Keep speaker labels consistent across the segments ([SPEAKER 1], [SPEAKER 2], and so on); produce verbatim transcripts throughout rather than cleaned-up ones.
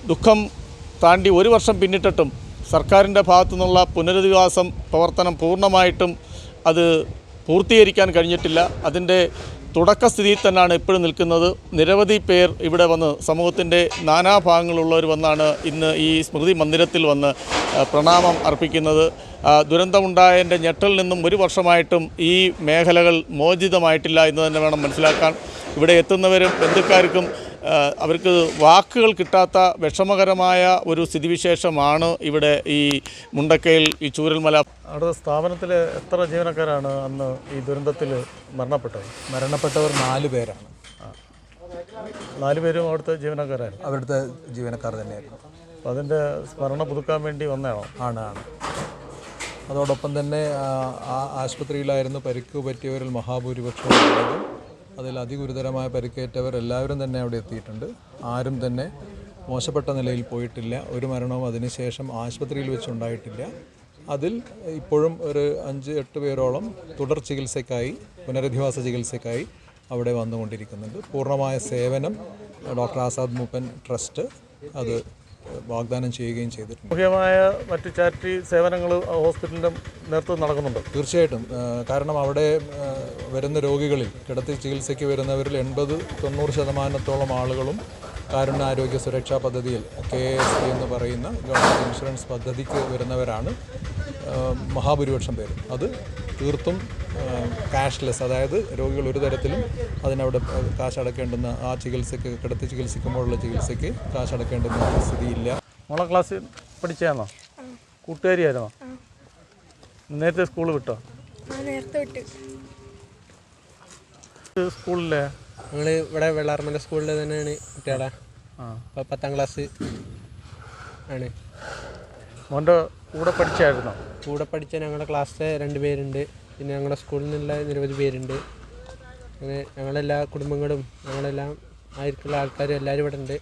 [SPEAKER 1] ദുഃഖം താണ്ടി ഒരു വർഷം പിന്നിട്ടിട്ടും സർക്കാരിൻ്റെ ഭാഗത്തു നിന്നുള്ള പുനരധിവാസം പ്രവർത്തനം പൂർണ്ണമായിട്ടും അത് പൂർത്തീകരിക്കാൻ കഴിഞ്ഞിട്ടില്ല. അതിൻ്റെ തുടക്കസ്ഥിതിയിൽ തന്നെയാണ് ഇപ്പോഴും നിൽക്കുന്നത്. നിരവധി പേർ ഇവിടെ വന്ന് സമൂഹത്തിൻ്റെ നാനാഭാഗങ്ങളുള്ളവർ വന്നാണ് ഇന്ന് ഈ സ്മൃതി മന്ദിരത്തിൽ വന്ന് പ്രണാമം അർപ്പിക്കുന്നത്. ദുരന്തമുണ്ടായതിൻ്റെ ഞെട്ടലിൽ നിന്നും ഒരു വർഷമായിട്ടും ഈ മേഖലകൾ മോചിതമായിട്ടില്ല എന്ന് തന്നെ വേണം മനസ്സിലാക്കാൻ. ഇവിടെ എത്തുന്നവരും ബന്ധുക്കാർക്കും അവർക്ക് വാക്കുകൾ കിട്ടാത്ത വിഷമകരമായ ഒരു സ്ഥിതിവിശേഷമാണ് ഇവിടെ ഈ മുണ്ടക്കയിൽ ഈ ചൂരൽമല. അവിടെ സ്ഥാപനത്തിൽ എത്ര ജീവനക്കാരാണ് അന്ന് ഈ ദുരന്തത്തിൽ മരണപ്പെട്ടത്?
[SPEAKER 2] മരണപ്പെട്ടവർ നാല് പേരാണ്.
[SPEAKER 1] നാല് പേരും അവിടുത്തെ ജീവനക്കാരായിരുന്നു?
[SPEAKER 2] അവിടുത്തെ ജീവനക്കാർ തന്നെയായിരുന്നു.
[SPEAKER 1] അപ്പോൾ അതിൻ്റെ സ്മരണ പുതുക്കാൻ വേണ്ടി വന്നതാണോ?
[SPEAKER 2] ആണ് ആണ് അതോടൊപ്പം തന്നെ ആ ആശുപത്രിയിലായിരുന്നു പരിക്ക് പറ്റിയവരിൽ മഹാഭൂരിപക്ഷവും ഉള്ളത്. അതിൽ അതിഗുരുതരമായ പരിക്കേറ്റവർ എല്ലാവരും തന്നെ അവിടെ എത്തിയിട്ടുണ്ട്. ആരും തന്നെ മോശപ്പെട്ട നിലയിൽ പോയിട്ടില്ല. ഒരു മരണവും അതിനുശേഷം ആശുപത്രിയിൽ വെച്ചുണ്ടായിട്ടില്ല. അതിൽ ഇപ്പോഴും ഒരു അഞ്ച് എട്ട് പേരോളം തുടർ ചികിത്സയ്ക്കായി പുനരധിവാസ ചികിത്സയ്ക്കായി അവിടെ വന്നുകൊണ്ടിരിക്കുന്നുണ്ട്. പൂർണ്ണമായ സേവനം ഡോക്ടർ ആസാദ് മൂപ്പൻ ട്രസ്റ്റ് അത് വാഗ്ദാനം ചെയ്യുകയും ചെയ്തിട്ടുണ്ട്.
[SPEAKER 1] മുഖ്യമായ മറ്റു ചാരിറ്റി സേവനങ്ങൾ ഹോസ്പിറ്റലിൻ്റെ നേതൃത്വം നടക്കുന്നുണ്ട്.
[SPEAKER 2] തീർച്ചയായിട്ടും. കാരണം അവിടെ വരുന്ന രോഗികളിൽ കിടത്തി ചികിത്സയ്ക്ക് വരുന്നവരിൽ എൺപത് തൊണ്ണൂറ് ശതമാനത്തോളം ആളുകളും കാരുണ്യാരോഗ്യ സുരക്ഷാ പദ്ധതിയിൽ കെ എസ് സി എന്ന് പറയുന്ന ഗവൺമെൻറ് ഇൻഷുറൻസ് പദ്ധതിക്ക് വരുന്നവരാണ് മഹാഭൂരിപക്ഷം പേര്. അത് തീർത്തും ക്യാഷ്ലെസ്, അതായത് രോഗികൾ ഒരു തരത്തിലും അതിനവിടെ കാശ് അടക്കേണ്ടുന്ന ആ ചികിത്സയ്ക്ക് കിടത്തി ചികിത്സിക്കുമ്പോഴുള്ള ചികിത്സയ്ക്ക് കാശ് അടക്കേണ്ടുന്ന സ്ഥിതിയില്ല.
[SPEAKER 1] മോളെ ക്ലാസ്സിൽ പഠിച്ചാണോ? കൂട്ടുകാരിയായിരുന്നോ? നേരത്തെ സ്കൂൾ വിട്ടോ?
[SPEAKER 3] നേരത്തെ വിട്ട്.
[SPEAKER 1] സ്കൂളിലെ
[SPEAKER 4] ഞങ്ങൾ ഇവിടെ വെള്ളാർമല സ്കൂളിൽ തന്നെയാണ് കുട്ടികളെ. പത്താം ക്ലാസ് ആണ്.
[SPEAKER 1] മോൻ്റെ കൂടെ പഠിച്ചായിരുന്നോ?
[SPEAKER 4] കൂടെ പഠിച്ച ഞങ്ങളുടെ ക്ലാസ്സിലെ രണ്ട് പേരുണ്ട്. പിന്നെ ഞങ്ങളുടെ സ്കൂളിൽ നിന്നുള്ള നിരവധി പേരുണ്ട്. അങ്ങനെ ഞങ്ങളെല്ലാ കുടുംബങ്ങളും ഞങ്ങളെല്ലാം ആയിരിക്കുള്ള ആൾക്കാരും എല്ലാവരും ഇവിടെ ഉണ്ട്.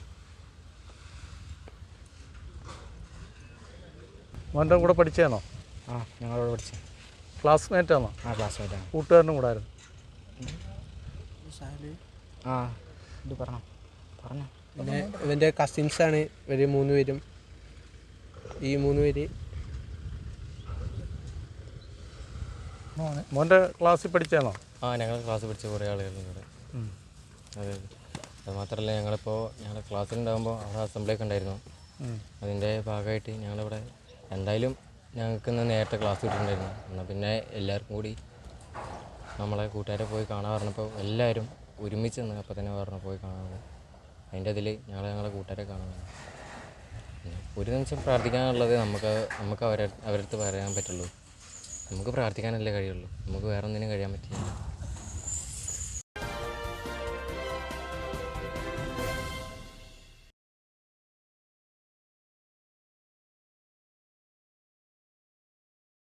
[SPEAKER 1] മോൻ്റെ കൂടെ പഠിച്ചാണോ?
[SPEAKER 4] ആ, ഞങ്ങളോട് പഠിച്ച
[SPEAKER 1] ക്ലാസ്മേറ്റാണോ?
[SPEAKER 4] ആ, ക്ലാസ്മേറ്റാണ്.
[SPEAKER 1] കൂട്ടുകാരനും കൂടെ ആയിരുന്നു?
[SPEAKER 4] ആ, ഇത് പറഞ്ഞോ പറഞ്ഞോ പിന്നെ ഇവൻ്റെ കസിൻസാണ് ഇവർ മൂന്ന് പേരും. ഈ മൂന്ന് പേര്
[SPEAKER 1] മോൻ്റെ ക്ലാസ്സിൽ പഠിച്ചാണോ?
[SPEAKER 5] ആ, ഞങ്ങൾ ക്ലാസ്സിൽ പഠിച്ച കുറേ ആളുകളുണ്ട് ഇവിടെ. അതെ, അത് മാത്രമല്ല ഞങ്ങളിപ്പോൾ ഞങ്ങളുടെ ക്ലാസ്സിലുണ്ടാകുമ്പോൾ അവിടെ അസംബ്ലിയൊക്കെ ഉണ്ടായിരുന്നു. അതിൻ്റെ ഭാഗമായിട്ട് ഞങ്ങളിവിടെ എന്തായാലും ഞങ്ങൾക്ക് ഇന്ന് നേരത്തെ ക്ലാസ് കിട്ടിയിട്ടുണ്ടായിരുന്നു. എന്നാൽ പിന്നെ എല്ലാവർക്കും കൂടി നമ്മളെ കൂട്ടുകാരെ പോയി കാണാൻ പറഞ്ഞപ്പോൾ എല്ലാവരും ഒരുമിച്ച് നിന്ന് അപ്പോൾ തന്നെ പറഞ്ഞു പോയി കാണാൻ. അതിൻ്റെ അതിൽ ഞങ്ങൾ ഞങ്ങളെ കൂട്ടുകാരെ കാണാൻ. ഒരു നിമിഷം പ്രാർത്ഥിക്കാനുള്ളത് നമുക്ക് നമുക്ക് അവരെ അവരടുത്ത് പറയാൻ പറ്റുള്ളൂ. നമുക്ക് പ്രാർത്ഥിക്കാനല്ലേ കഴിയുള്ളൂ. നമുക്ക് വേറെ ഒന്നിനും കഴിയാൻ പറ്റില്ല.